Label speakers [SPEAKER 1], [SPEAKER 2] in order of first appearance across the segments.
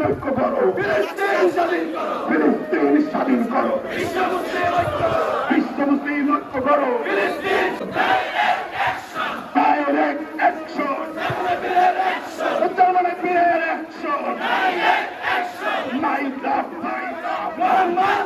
[SPEAKER 1] ঐক্য করো, ফিলিস্তিন স্বাধীন করো, বিশ্ব মুসলিম ঐক্য করো, ডাইরেক্ট অ্যাকশন, উত্তরবঙ্গের বীরের action, my love Mohammad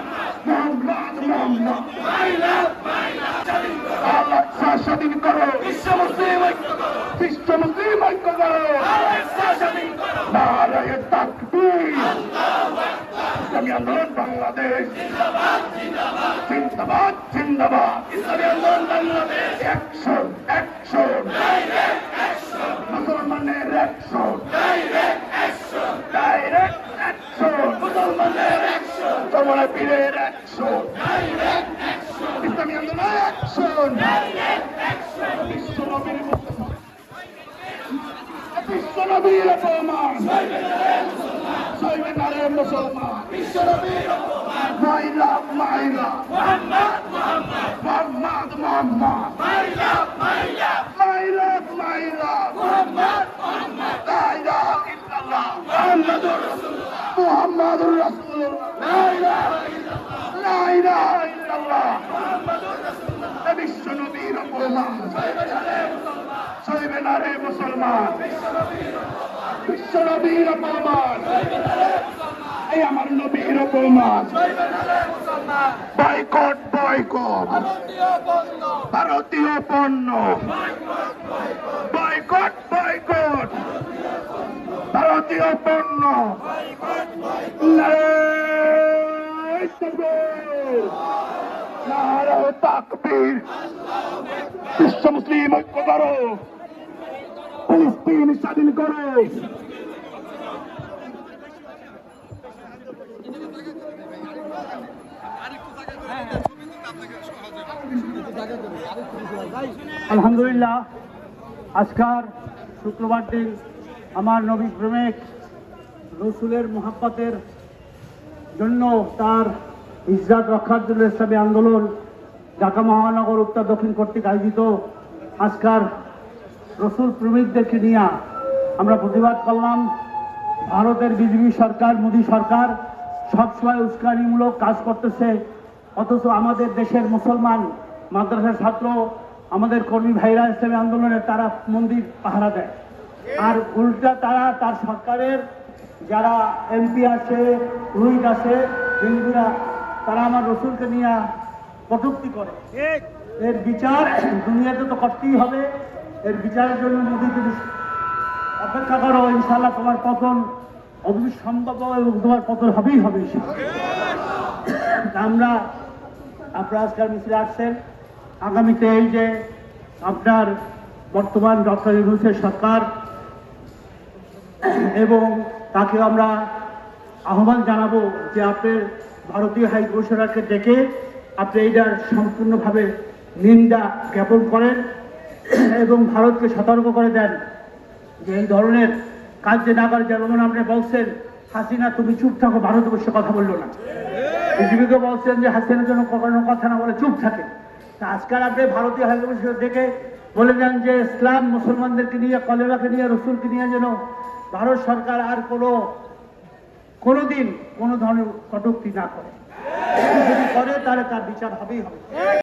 [SPEAKER 1] Al Aqsa স্বাধীন করো, বিশ্ব মুসলিম ঐক্য করো, নারায়ে তাকবীর, ইসলামী আন্দোলন বাংলাদেশ জিন্দাবাদ জিন্দাবাদ, ইসলামী আন্দোলন বাংলাদেশ অ্যাকশন অ্যাকশন, মুসলমানের অ্যাকশন, ডাইরেক্ট অ্যাকশন, মুসলমানের অ্যাকশন, তোমার পীরের অ্যাকশন, ইসলামী আন্দোলন অ্যাকশন, বিশ্বনবীর অপমান, সইবে না রে মুসলমান, বিশ্বনবীর অপমান, মাই লাভ মোহাম্মদ, মাই লাভ মোহাম্মদ, লা ইলাহা ইল্লাল্লাহ মুহাম্মাদুর রাসূলুল্লাহ, লা ইলাহা ইল্লাল্লাহ বিশ্বনবীর অপমান, সইবে না রে মুসলমান, বিশ্বনবীর অপমান, এই আমার নবীর অপমান, বয়কট বয়কট, ভারতীয় পণ্য, বয়কট বয়কট, ভারতীয় পণ্য, নারায়ে তাকবীর, নারায়ে তাকবীর, বিশ্ব মুসলিম ঐক্য করো, ফিলিস্তিন স্বাধীন করো।
[SPEAKER 2] আলহামদুলিল্লাহ, আজকার শুক্রবার দিন আমার নবী প্রেমিক রসুলের মোহাব্বতের জন্য, তার ইজ্জত রক্ষার জন্য ইসলামী আন্দোলন ঢাকা মহানগর উত্তর দক্ষিণ কর্তৃক আয়োজিত আজকার রসুল প্রেমিকদেরকে নিয়ে আমরা প্রতিবাদ করলাম। ভারতের বিজেপি সরকার, মোদী সরকার সবসময় উস্কানিমূলক কাজ করতেছে, অথচ আমাদের দেশের মুসলমান মাদ্রাসার ছাত্র, আমাদের কর্মী ভাইরা ইসলামী আন্দোলনের তারা মন্দির পাহারা দেয়, আর উল্টা তারা তার সরকারের যারা এমপি আছে, রুহিত আছে, হিন্দুরা, তারা আমার রসুলকে নিয়ে কটূক্তি করে। এর বিচার দুনিয়াতে তো করতেই হবে, এর বিচারের জন্য মোদী যদি অপেক্ষা করো, ইনশাল্লাহ তোমার পতন অবিসম্ভব এবং তোমার পতন হবেই হবে। আপনারা আজকাল মিছিলে আসছেন, আগামীতে এই যে আপনার বর্তমান ডক্টর ইউনূসের সরকার, এবং তাকে আমরা আহ্বান জানাবো যে আপনার ভারতীয় হাই কমিশনারকে ডেকে আপনি এইটার সম্পূর্ণভাবে নিন্দা জ্ঞাপন করেন এবং ভারতকে সতর্ক করে দেন যে এই ধরনের কাজ যে না করে। যেমন আপনি বলছেন হাসিনা তুমি চুপ থাকো, ভারতবর্ষে কথা বললো না, বিজেপিকে বলছেন যে হাসিনার জন্য কোনো কথা না বলে চুপ থাকে। তা আজকাল আপনি ভারতীয় হাই কমিশনার ডেকে বলে দেন যে ইসলাম মুসলমানদেরকে নিয়ে, কলেমাকে নিয়ে, রসুলকে নিয়ে যেন ভারত সরকার আর কোনোদিন কোনো ধরনের কটূক্তি না করে, যদি করে তাহলে তার বিচার হবেই হবে।